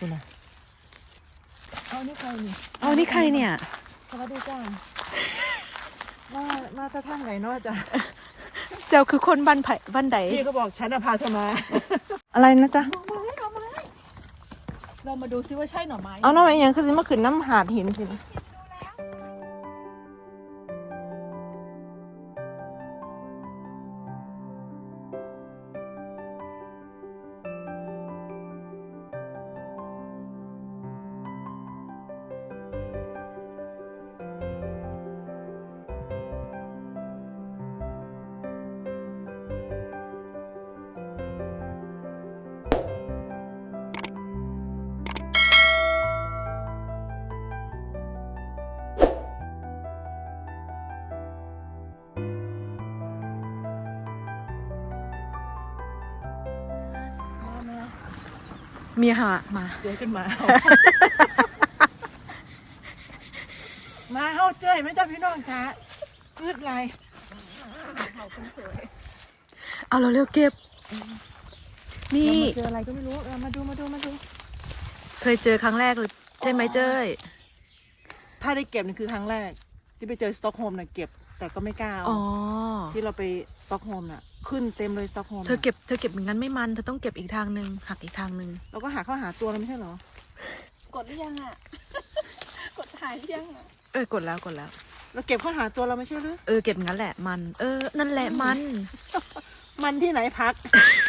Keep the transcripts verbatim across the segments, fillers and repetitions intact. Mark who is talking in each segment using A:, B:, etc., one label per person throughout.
A: คุณนะเอานี่ใครนี่
B: เอานี่ใครเนี่ย
A: สวัสดีจ้ามามาจะท่างไหนเนาะจ้ะ
B: เจ้าคือคนบ้านไผ่บ้านใด
A: พี่ก็บอกฉันพาเธอมา
B: อะไรนะจ๊ะ
A: เรามาดูซิว่าใช่หน่อไม้
B: เอาหน่อไม้ยังคือสิมาขึ้นน้ำหาดหินสิมีหามา
A: เจอขึ้นมามาเฮาเจ้ยไม่จ้าพี่น้องจ้าพืชไรเขาคนสวย
B: เอาเราเร็วเก็บนี่
A: เจออะไรก็ไม่รู้เรามาดูมาดูมาดู
B: เคยเจอครั้งแรกเลยใช่ไหมเจ้ย
A: ถ้าได้เก็บนี่คือครั้งแรกที่ไปเจอสต็อกโฮล์มน่ะเก็บแต่ก็ไม่กล้าเอาที่เราไปสต็อกโฮล์มน่ะขึ้นเต็มเลยสต็อกโฮล์ม
B: เธอเก็บเธอเก็บอย่างนั้นไม่มันเธอต้องเก็บอีกทางนึงหักอีกทางนึง
A: เราก็หาเข้าหาตัวเราไม่ใช่หรอ
C: กดหรือยังอ่ะ กดถ่ายหรือยังอ่ะ
B: เออกดแล้วกดแล้ว
A: เราเก็บเข้าหาตัวเราไม่ใช่หรือ
B: เออเก็บงั้นแหละมันเออนั่นแหละมัน
A: มันที่ไหนพัก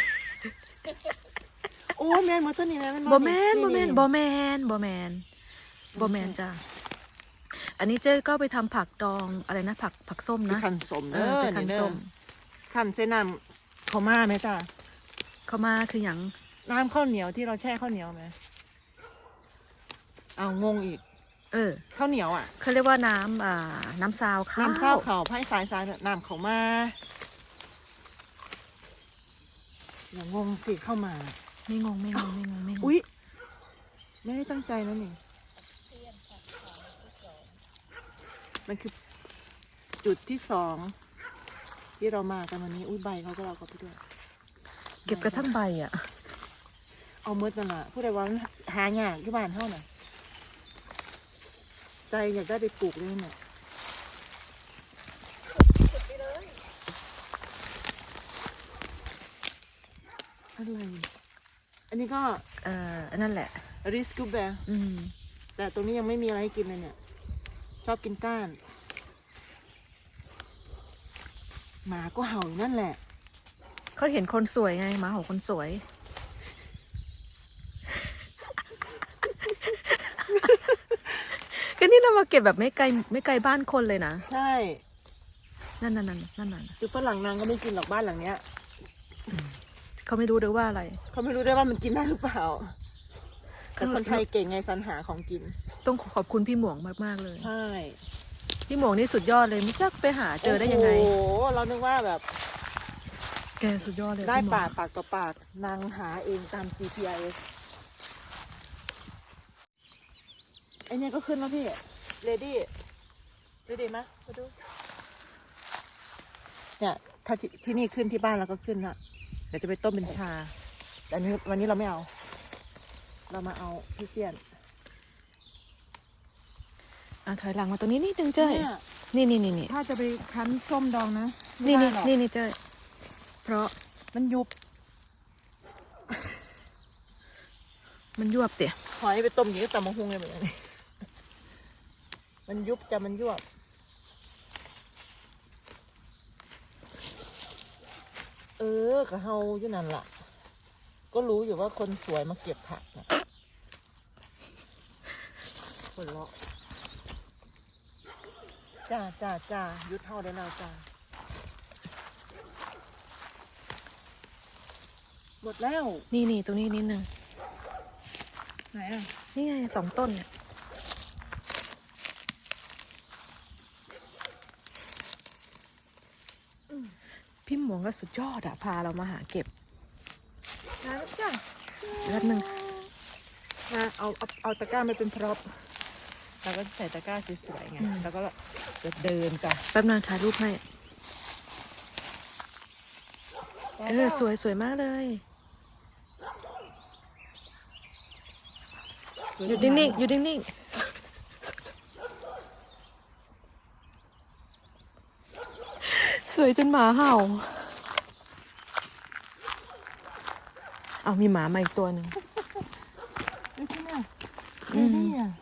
A: โอ้แมนมาตัวนี้นะ
B: บอแมนบอแมนบอแมนบอแมนบอแมนจ้าอันนี้เจ้ก็ไปทำผักดองอะไรนะผักผักส้มนะ
A: ขันส้ม
B: เออเป็นขันส้ม
A: ขันเส้นน้ำข้าวม่าไหมจ้า
B: ข้าวม่าคืออย่าง
A: น้ำข้าวเหนียวที่เราแช่ข้าวเหนียวไหมเอางงอีก
B: เออ
A: ข้าวเหนียวอ่ะ
B: เขาเรียกว่าน้ำอ่าน้ำซาวข้าว
A: น้ำซาวข้าวไผ่สายสายน้ำข้าวม่าอย่างงงสิเข้ามา
B: ไม่งงไม่งงไม่งงไม่งง
A: อุ๊ยไม่ได้ตั้งใจนะนี่มันคือจุดที่สองที่เรามากันวันนี้อุ้ยใบเขาก็เราก็ไปด้วย
B: เก็บกระทั่งใบอ่ะ
A: เอาเมื่อนั่นแหละผู้ใดว่าหาหยากที่บ้านเท่าน่ะใจอยากได้ไปปลูกเลยเนี่ยอะไรอันนี้ก็
B: เอ่อนั่นแหละ
A: ริสกูแบร์
B: อืม
A: แต่ตรงนี้ยังไม่มีอะไรให้กินเลยเนี่ยชอบกินก้านหมาก็เห่าอยู่นั่นแหละ
B: เขาเห็นคนสวยไงหมาของคนสวยก็นี่เรามาเก็บแบบไม่ไกลไม่ไกลบ้านคนเลยนะ
A: ใช่
B: นั่นนั่นนั่นนั่นนั่น
A: คือฝรั่งนางก็ไม่กินหรอกบ้านหลังเนี้ย
B: เขาไม่รู้ด้วยว่าอะไร
A: เขาไม่รู้ได้ว่ามันกินได้หรือเปล่าแต่คนไทยเก่งไงสรรหาของกิน
B: ต้องขอบคุณพี่หมวงมากๆเลย
A: ใช่
B: พี่หมวงนี่สุดยอดเลยไม่รู้ไปหาเจอได้ยังไง
A: โอ้โหเรานึกว่าแบบ
B: แกสุดยอดเลย
A: ได้ปากปากต่อปากนางหาเองตาม จี พี เอส ไอเนี่ยก็ขึ้นแล้วพี่เลดี้เลดี้มั้ยมาดูเนี่ยถ้าที่นี่ขึ้นที่บ้านเราก็ขึ้นละเดี๋ยวจะไปต้มเป็นชาแต่อันนี้วันนี้เราไม่เอาเรามาเอาพี่เซียน
B: อ่ะถอยหลังมาตรงนี้นิดนึงเจ้ยนี่นี่นี่นี่
A: ถ้าจะไปคั้นส้มดองนะ
B: นี่นี่นี่นี่เจ้ยเพราะ
A: มันยุบ
B: มันยวบเตี่ย
A: หอยไปต้มอย่างนี้ตำมะฮุงเลยเหมือนกันมันยุบจะมันยวบเออกะเฮาอยู่นั่นล่ะก็รู้อยู่ว่าคนสวยมาเก็บผักนะคนเลาะจ้าจ้าจ้ายุดเท่าได้แล้วจ้าหมดแล้ว
B: นี่นี่ตรงนี้นิดนึง
A: ไหนอ่ะ
B: นี่ไงสองต้นเนี่ยพี่หมวงก็สุดยอดอะพาเรามาหาเก็บ
A: นะจ้า
B: แป๊บนึง
A: มาเอาเอาเอาตะกร้ามาเป็นพร็อพแล้วก็ใส่ตะกร้าสวยๆไงแล้วก็จะเดินจ้ะ
B: แป๊บนึงถ่ายรูปให้เออสวยสวยมากเลยๆอยู่นิ่งๆอยู่นิ่งๆสวยจนหมาเห่าเอามีหมามาอีกตัวหนึ่ง
A: ดูสิเนี่ย
B: อืม
A: นี่อ่ะ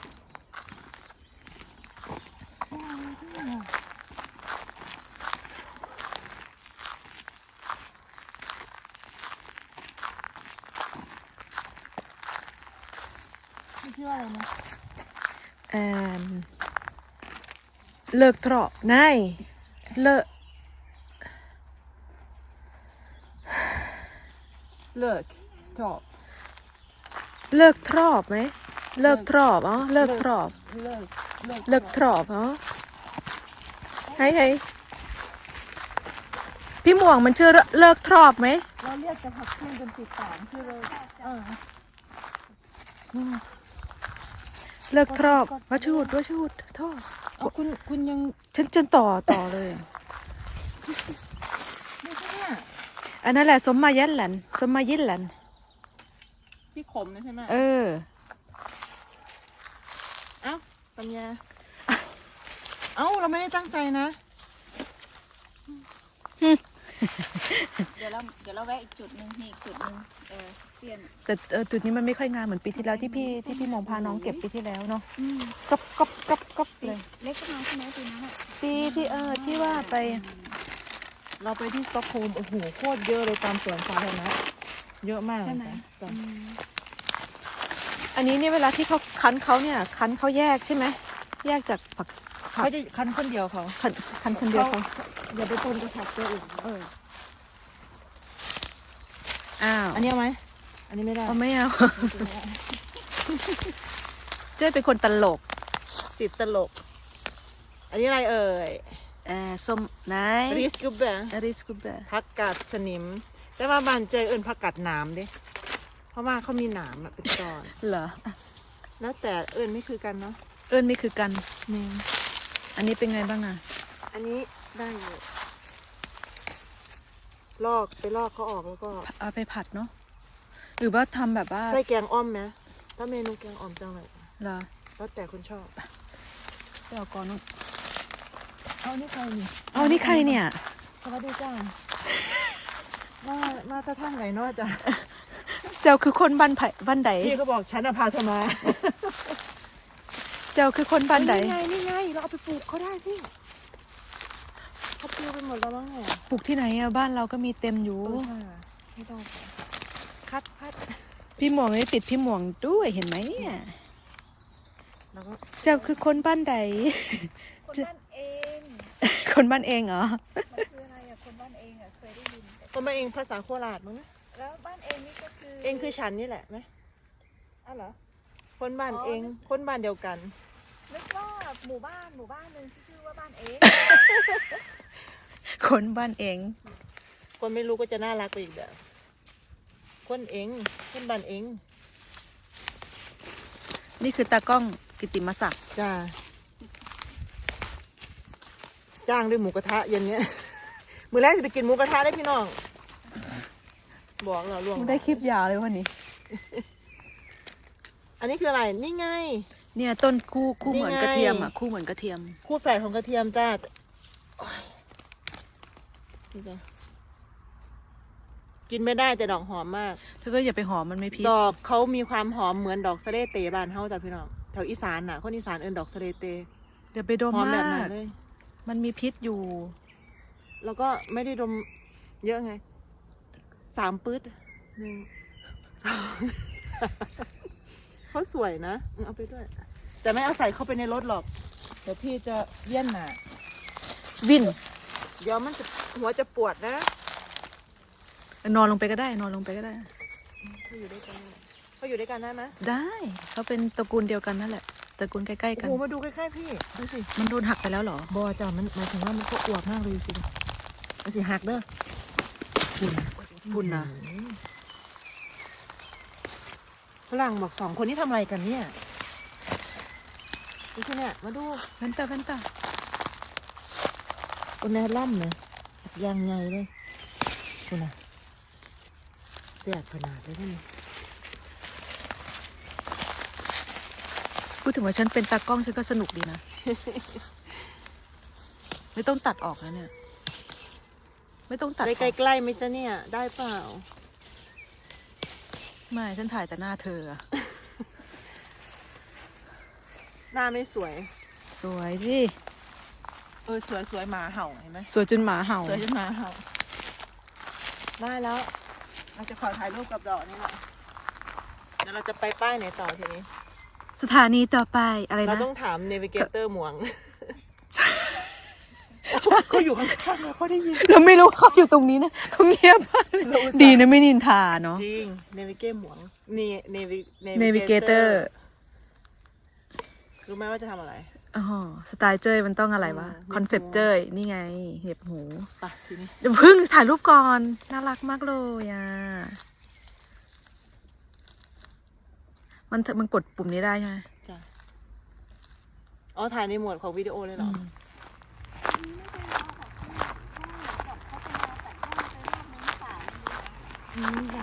A: นี่ชื่อว่าอะไรนะ
B: แอมเลิกเถาะนายเลิก
A: เลิกจบ
B: เลิกทรอบไหมเลิกทรอบอ๋อเลิกทรอบ
A: เลิกเลิก
B: เลิกทรอบอ๋อให้ให้พี่หม่วงมันชื่อเลิกทรอบไหม
A: เราเรียกจะผักขึ้นจนติดปากชื่อเลยเออนี่ไง
B: เลิกทรอบว่าชูดว่าชูดทอด
A: เอาคุณคุณยัง
B: ฉันจนต่อต่อเลยอะ
A: ไม่ใช่เนี่ย
B: อันนั้นแหละสมมายันหลันสมมายินหลัน
A: ที่ขมนะใช่ไหม
B: เออ
A: เอ้าปัญญาเอ้าเราไม่ได้ตั้งใจนะ
C: เดี๋ยวเราเดี๋ยวเราแวะอีกจุดหนึ่งนี่อีกจุดหนึ่งเออเซียน
B: แต่เออจุดนี้มันไม่ค่อยงามเหมือนปีที่แล้วที่พี่ที่พี่หมองพาน้องเก็บปีที่แล้วเนาะก๊อบก๊อบก๊อบก๊อบเลย
C: เล็กก็น้องใช่ไหมปีนั้นอ่ะ
B: ปีที่เออที่ว่าไป
A: เราไปที่สต็อกโฮล์มโอ้โหโคตรเยอะเลยตามสวนสาธารณะเยอะมาก
C: ใช่ไหม
A: จ้ะ
B: อันนี้เนี่ยเวลาที่เขาคั้นเขาเนี่ยคั้นเขาแยกใช่ไหมแยกจากผักผัก
A: เขาจะคั้นคนเดียวเขา
B: คั้นคั้นคนเดียวเขา
A: อย่าไปปนกับผักตัวอื่นเออ
B: อ้าว
A: อันนี้เอาไหมอันนี้ไม่ได้
B: เอาไม่เอา เจ๊เป็นคนตลก
A: ติดตลก อันนี้อะไรเอ่ย
B: เออส้มไหน
A: ริสกูเบะ
B: อริสกูเบอร์
A: ผักกาดสนิม แต่ว่าบ้านเจอเอิญผักกาดหนามดิเพราะว่าเขามีหนามอะเป็นตอน
B: เหรอ
A: แล้วแต่เอิญไม่คือกันเนาะ
B: เอิญไม่คือกัน
A: นี่
B: อันนี้เป็นไงบ้างอ่ะ
A: อันนี้ได้อยู่ลอกไปลอกเขาออกแล้วก็
B: เอาไปผัดเนาะหรือว่าทำแบบว่า
A: ใส่แกงอ้อมไหมถ้าเมนูแกงอ้อมจังเลย
B: เหรอ
A: แล้วแต่คนชอบ
B: ไปเอาก่อนเนอะ
A: เอานี่ใครนี่
B: เอานี่ใครเนี่ย
A: สวัสดีจ้ามามาตะท่านไหนเนาะจ้ะ
B: เจ้าคือคนบ้านไผ่บ้านใด
A: พี่ก็บอกฉันอะพาเธอมา
B: เจ้าคือคนบ้านใด
A: นี่ไงนี่ไงเราเอาไปปลูกเขาได้พี่เขาปลิวไปหมดแล้วมั้งเนี่ย
B: ปลูกที่ไหนอ่ะบ้านเราก็มีเต็มอยู่
A: เออค่ะไม่ต้องคัดคัด
B: พี่หมวงนี่ติดพี่หมวงด้วยเห็นไหมเนี่ย
A: แล้วก็
B: เจ้าคือคนบ้านใด
C: คนบ้านเอง
B: คนบ้านเองเหรอ
C: มันคืออะไรอ่ะคนบ้านเองอ่ะเคยได้ยินแต่
A: คนมาเองภาษาโคราชมั้งนะ
C: แล้วบ้านเองนี่ก็คือ
A: เองคือฉันนี่แหละไหม
C: อ้าวเหรอ
A: คนบ้านเองคนบ้านเดียวกัน
C: นึกว่าหมู่บ้านหมู่บ้านหนึ่งที่ชื่อว่าบ้านเอง
B: คนบ้านเอง
A: คนไม่รู้ก็จะน่ารักไปอีกแบบคนเองคนบ้านเอง
B: นี่คือตากล้องกิตติมศักดิ์
A: จ้าจ้างด้วยหมูกระทะเย็นเนี้ย มือแรกจะไปกินหมูกระทะได้พี่น้อง บอกเราล่วง
B: ได้คลิปยาวเลยวันนี้
A: อันนี้คืออะไร นี่ไง
B: เนี่ยต้นคู่คู่เหมือน
A: นี่ไง
B: กระเทียมอ่ะคู่เหมือนกระเทียม
A: คู่แฝดของกระเทียมจ้าโอ๊ยนี่จ้ะกินไม่ได้แต่ดอกหอมมาก
B: เธอก็อย่าไปหอมมันไม่พิษ
A: ดอกเขามีความหอมเหมือนดอกสะเลเตบานเฮาจ้ะพี่น้องแถวอีสานน่ะคนอีสานเอิ้นดอกสะเลเต
B: เดี๋ยวไปดม
A: หอมแบ
B: มา
A: บนั้น
B: ก
A: เลย
B: มันมีพิษอยู่
A: แล้วก็ไม่ได้ดมเยอะไงสามปื๊ดหนึ่ง เขาสวยนะเอาไปด้วย แต่ไม่เอาใส่เข้าไปในรถหรอกเดี๋ยวพี่จะเวียนหนา
B: วิน
A: เดี๋ยวมันจะหัวจะปวดนะ
B: นอนลงไปก็ได้ นอนลงไปก็ได้
A: เขาอยู่ด้วยกันเขาอยู่ด้วยกันได้ไหม
B: ได้เขาเป็นตระกูลเดียวกันนั่นแหละตระกูลใกล้ๆ
A: โอ้
B: กัน
A: โหมาดูใกล้ๆพี่ดูสิ
B: มันโดนหักไปแล้วเหรอ
A: บอจ้ะมันหมายถึงว่ามันก็อวบมากเลยสิดูสิหักเด้อ
B: บุญนะ
A: ฝรั่งบอกสองคนนี้ทำอะไรกันเนี่ยดูสิเนี่ยมาดู
B: แว่นตาแว่นตา
A: คนแน่ล่ำเนี่ยยางไงเลยคุณน่ะเสียดขนาดเลยนี่
B: พูดถึงว่าฉันเป็นตากล้องฉันก็สนุกดีนะ ไม่ต้องตัดออกนะเนี่ย ไม่ต้องตัดอ
A: ได้
B: อก
A: ใกล้ๆไหมจ๊ะเนี่ย ได้เปล่า
B: ไม่ฉันถ่ายแต่หน้าเธออะ
A: หน้าไม่สวย
B: สวยดิ
A: เออสวยสวยหมาเห่าเห็นไหม
B: สวยจนหมาเห่า
A: สวยจนหมาเห่า ได้แล้ว เราจะขอถ่ายรูปกับดอกนี่แหละเดี๋ยวเราจะไปป้ายไหนต่อทีนี้
B: สถานีต่อไปอะไร
A: เรา
B: นะ
A: ต้องถามเนวิเกเตอร์หมวงเขาอยู่ข้างๆเราเขาได้ยิน
B: เราไม่รู้เขาอยู่ตรงนี้นะเขาเงียบมากเลย
A: เราอุตส่าห์
B: ดีนะไม่นินทาเนาะ
A: จริงเนวิเกหมวงเนเนวิ
B: เนวิเกเตอร์
A: รู้ไหมว่าจะทำอะไร
B: อ๋อสไตล์เจ้ยมันต้องอะไรวะ
A: อืม
B: คอนเซปต์เจ้ยนี่ไงเห็บหู
A: ไปทีนี้
B: เดี๋ยวพึ่งถ่ายรูปก่อนน่ารักมากเลยอ่ะมันมันกดปุ่มนี้ได้ใช่ไหม
A: จ้ะอ๋อถ่ายในหมวดของวิดีโอเลยเหรอ อืมค่ะ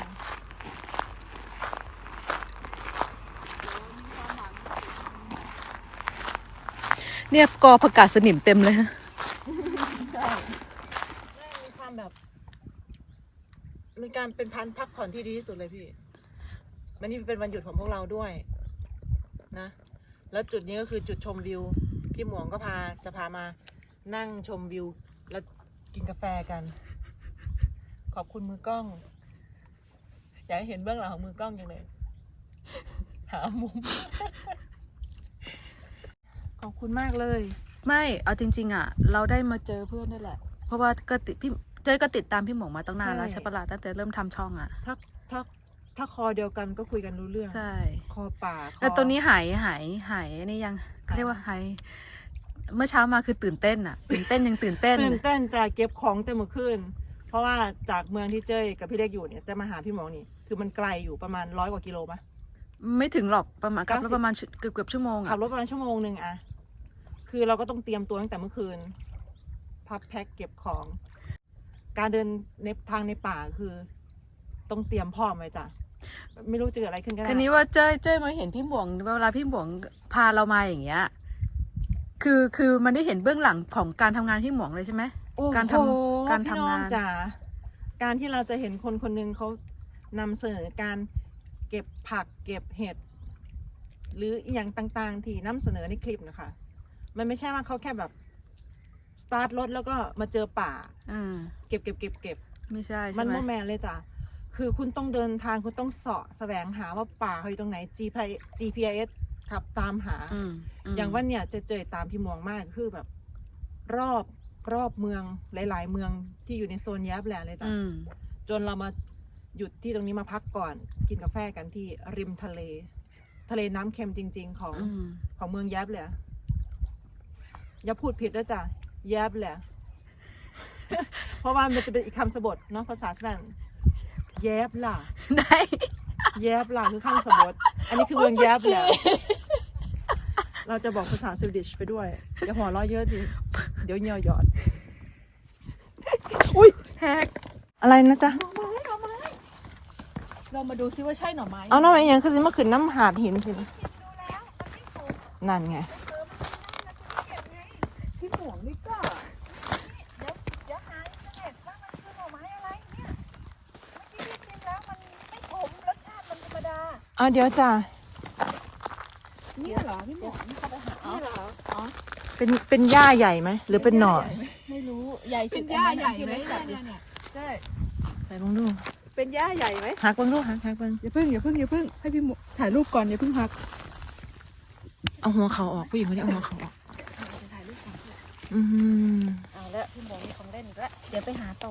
B: เนี่ยกอผักกาดสนิมเต็มเลยนะ
A: ใช่มีความแบบมีการเป็นพันพักผ่อนที่ดีที่สุดเลยพี่วันนี้เป็นวันหยุดของพวกเราด้วยนะ แล้วจุดนี้ก็คือจุดชมวิว พี่หมวงก็พาจะพามานั่งชมวิว แล้วกินกาแฟกัน ขอบคุณมือกล้อง อยากให้เห็นเบื้องหลังของมือกล้องจังเลย หามุม ขอบคุณมากเลย
B: ไม่เอาจริง ๆ อ่ะ เราได้มาเจอเพื่อนได้แหละ เพราะว่าก็ติดพี่เจ้ยก็ติดตามพี่หมงมาตั้งนานแล้ว
A: ใช่
B: ใช่ปะล่ะตั้งแต่เริ่มทำช่องอ่ะ
A: ถ้าถ้าถ้าคอเดียวกันก็คุยกันรู้เรื่อง
B: ใช่
A: คอป่าคอ
B: แล้วตอนนี้หายหายหายนี่ยังเขาเรียกว่าหายเมื่อเช้ามาคือตื่นเต้นอ่ะ ตื่นเต้นยังตื่นเต้น
A: ตื่นเต้นจะเก็บของเต็มมือขึ้น เพราะว่าจากเมืองที่เจ้ยกับพี่เล็กอยู่เนี่ยจะมาหาพี่หมอนี่ คือมันไกลอยู่ประมาณร้อยกว่ากิโลปะ
B: ไม่ถึงหรอกประมาณขับรถ
A: เก้าสิบ
B: ประมาณเกือบเกือบชั่วโมง
A: ขั
B: อ่ะ
A: บรถประมาณชั่วโมงหนึ่งอะคือเราก็ต้องเตรียมตัวตั้งแต่เมื่อคืน พับแพ็คเก็บของ การเดินในทางในป่าคือ ต้องเตรียมพร้อมไว้จ้ะ ไม่รู้จะเกิดอะไรขึ้นก็ได้
B: ทีนี้ว่าเจ้ยเจ้ยมาเห็นพี่หมวงเวลาพี่หมวงพาเรามาอย่างเงี้ย คือคือมันได้เห็นเบื้องหลังของการทำงานพี่หมวงเลยใช่ไหม
A: โอ้โห
B: การทำการทำงาน
A: พี่อจ๋าการที่เราจะเห็นคนคนหนึ่งเขานำเสนอการเก็บผักเก็บเห็ด หรืออหย่างต่างๆ ที่นำเสนอในคลิปนะคะ มันไม่ใช่ว่าเขาแค่แบบสตาร์ทรถแล้วก็มาเจอป่า
B: อืม
A: เก็บเก็บเก็บเก็บ
B: ไม่ใช่
A: มั
B: ใช่
A: น
B: ไหม
A: โมแมนเลยจ้ะคือคุณต้องเดินทางคุณต้องเสาะแสวงหาว่าป่าเขาอยู่ตรงไหน จี พี เอส ขับตามหา
B: อืมม
A: อย่างว่าเนี่ยจะเจอตามพี่มวงมากคือแบบ รอบรอบเมืองหลาย ๆ เมืองที่อยู่ในโซนแยบแหละเลยจ้ะ
B: อืม
A: จนเรามาหยุดที่ตรงนี้มาพักก่อน กินกาแฟกันที่ริมทะเล ทะเลน้ำเค็มจริง ๆ ของ
B: อืม
A: ของเมืองแยบเลยอย่าพูดผิดด้วยจ้ะแยบเลย เพราะว่ามันจะเป็นอีกคำสะบทเนาะภาษาสแปนแยบล่ะ
B: ได้
A: แยบล่ะคือคำสะบทอันนี้คือเมืองแยบเลยเราจะบอกภาษาสวีดิชไปด้วยอย่าหัวเราะเยอะดิเดี๋ยวเหงียวหยอด
B: อุ้ยแฮก
A: อะไรนะจ๊ะ
B: เรามาดูซิว่าใช่หน่อไม้
A: เอาน้ำไอ้ยังคือสิมาขึ้นน้ำหาดหินสินั่นไง
B: พี่หมวงนี่ก็
C: เดี๋ยวเดี๋ยวหาอินเทอร์เน็ตว่ามันคือหน่อไม้อะไรเนี่ยเมื่อกี้พี่ชิมแล้วมันไม่ขมรสชาติมันธรรมดา
A: เอาเดี๋ยวจ้ะ
B: นี่เหรอพี่หมวงนี่เขาไปหานี่เหรออ๋อ
A: เป็นเป็นหญ้าใหญ่ไหมหรือเป็นหน่อ
C: ไม่รู้ใหญ่สุ
B: เป็
C: ด
B: นหญ้าใหญ่ไหม
C: อันนั้นที่
B: เนี่
C: เล็กจัดดิ
B: ยเนี่ยใช่
A: ใส่บังดู
B: เป็นหญ้าใหญ่ไหม
A: หักบังดูหักหักบัง
B: อย่าเพิ่งอย่าเพิ่งอย่าเพิ่งให้พี่หมวงถ่ายรูปก่อนอย่าเพิ่งพัก
A: เอาหัวเขาออกผู้หญิงคนนี้เอาหัวเขาออก
B: จะถ่ายรูปก่อน
A: อืม
C: เอาแล้วพี่หมงมีของเล่นอีกแล้วเดี๋ยวไปหาต่อ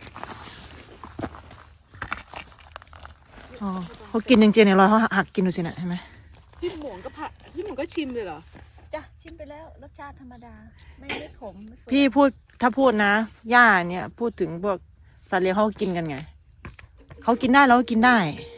A: อ๋อเขากินจริงๆเนี่ยเราเขาหักกินดูสินะเห็นไหม
B: พี่หมวงก็พะพี่หมวงก็ชิมเลยเหรอ
C: จ้ะชิมไปแล้วรสชาติธรรมดา ไม่ไม่ขมไม่เฟื่อย
A: พี่พูดถ้าพูดนะหญ้าเนี่ยพูดถึงพวกสัตว์เลี้ยงเขาก็กินกันไงเขากินได้เราก็กินได้
C: เ